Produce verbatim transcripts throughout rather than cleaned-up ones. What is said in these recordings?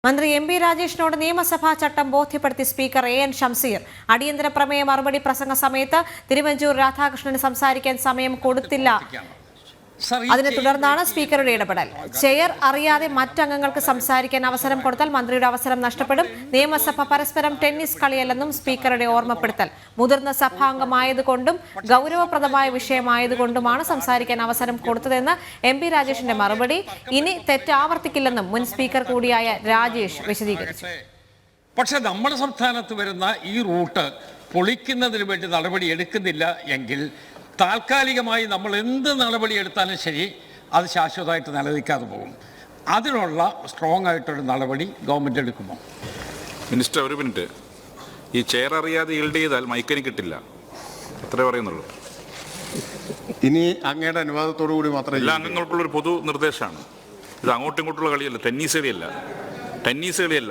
മന്ത്രി M P രാജേഷിനോട് നിയമസഭാ ചട്ടം ബോധ്യപ്പെടുത്തി സ്പീക്കർ എ എൻ ഷംസീർ. അടിയന്തര പ്രമേയ മറുപടി പ്രസംഗ സമയത്ത് തിരുവഞ്ചൂർ രാധാകൃഷ്ണന് സംസാരിക്കാൻ സമയം കൊടുത്തില്ല. അതിനെ തുടർന്നാണ് സ്പീക്കറുടെ ഇടപെടൽ. ചെയർ അറിയാതെ മറ്റംഗങ്ങൾക്ക് സംസാരിക്കാൻ അവസരം കൊടുത്താൽ മന്ത്രിയുടെ അവസരം നഷ്ടപ്പെടും. നിയമസഭ പരസ്പരം ടെന്നീസ് കളിയല്ലെന്നും സ്പീക്കറുടെ ഓർമ്മപ്പെടുത്തൽ. മുതിർന്ന സഭാംഗമായതുകൊണ്ടും ഗൗരവപ്രദമായ വിഷയമായതുകൊണ്ടുമാണ് സംസാരിക്കാൻ അവസരം കൊടുത്തതെന്ന് എം പി രാജേഷിന്റെ മറുപടി. ഇനി തെറ്റ് ആവർത്തിക്കില്ലെന്നും മുൻ സ്പീക്കർ കൂടിയായ രാജേഷ് വിശദീകരിച്ചു. പക്ഷെ നമ്മുടെ സംസ്ഥാനത്ത് വരുന്ന ഈ റൂട്ട് പൊളിക്കുന്നതിന് വേണ്ടി നടപടി എടുക്കുന്നില്ല എങ്കിൽ താൽക്കാലികമായി നമ്മൾ എന്ത് നടപടി എടുത്താലും ശരി അത് ശാശ്വതമായിട്ട് നിലനിൽക്കാതെ പോകും. അതിനുള്ള സ്ട്രോങ് ആയിട്ടൊരു നടപടി ഗവൺമെൻറ് എടുക്കുമോ? മിനിസ്റ്റർ, ഒരു മിനിറ്റ്. ഈ ചെയർ അറിയാതെ ഈൽഡ് ചെയ്താൽ മൈക്കിന് കിട്ടില്ല, അത്രേ പറയുന്നുള്ളൂ. ഇനി അങ്ങയുടെ അനുവാദത്തോടു കൂടി മാത്രമേ എല്ലാ അംഗങ്ങൾക്കുള്ളൊരു പൊതു നിർദ്ദേശമാണ് ഇത്. അങ്ങോട്ടും ഇങ്ങോട്ടുള്ള കളിയല്ല, ടെന്നീസ് കളിയല്ല, ടെന്നീസ് കളിയല്ല.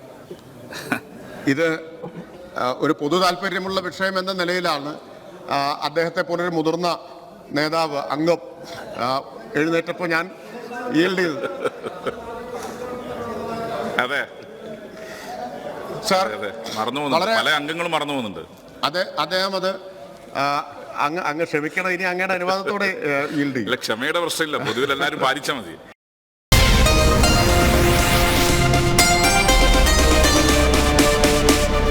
ഇത് ഒരു പൊതു താല്പര്യമുള്ള വിഷയം എന്ന നിലയിലാണ് അദ്ദേഹത്തെ പോലൊരു മുതിർന്ന നേതാവ് അംഗം എഴുന്നേറ്റപ്പോൾ ഞാൻ ഈൽഡ് ചെയ്തത്. അതെ സാർ, മറന്നു പോകുന്നു, പല അംഗങ്ങളും മറന്നു പോകുന്നുണ്ട്. അതെ, അദ്ദേഹം അത് അങ്ങ് അങ്ങ് ക്ഷമിക്കണം. ഇനി അങ്ങയുടെ അനുവാദത്തോടെ ഈൽഡ് ചെയ്യും. ക്ഷമയുടെ പ്രശ്നമില്ല, പൊതുവിൽ എല്ലാവരും പാലിച്ചാൽ മതി.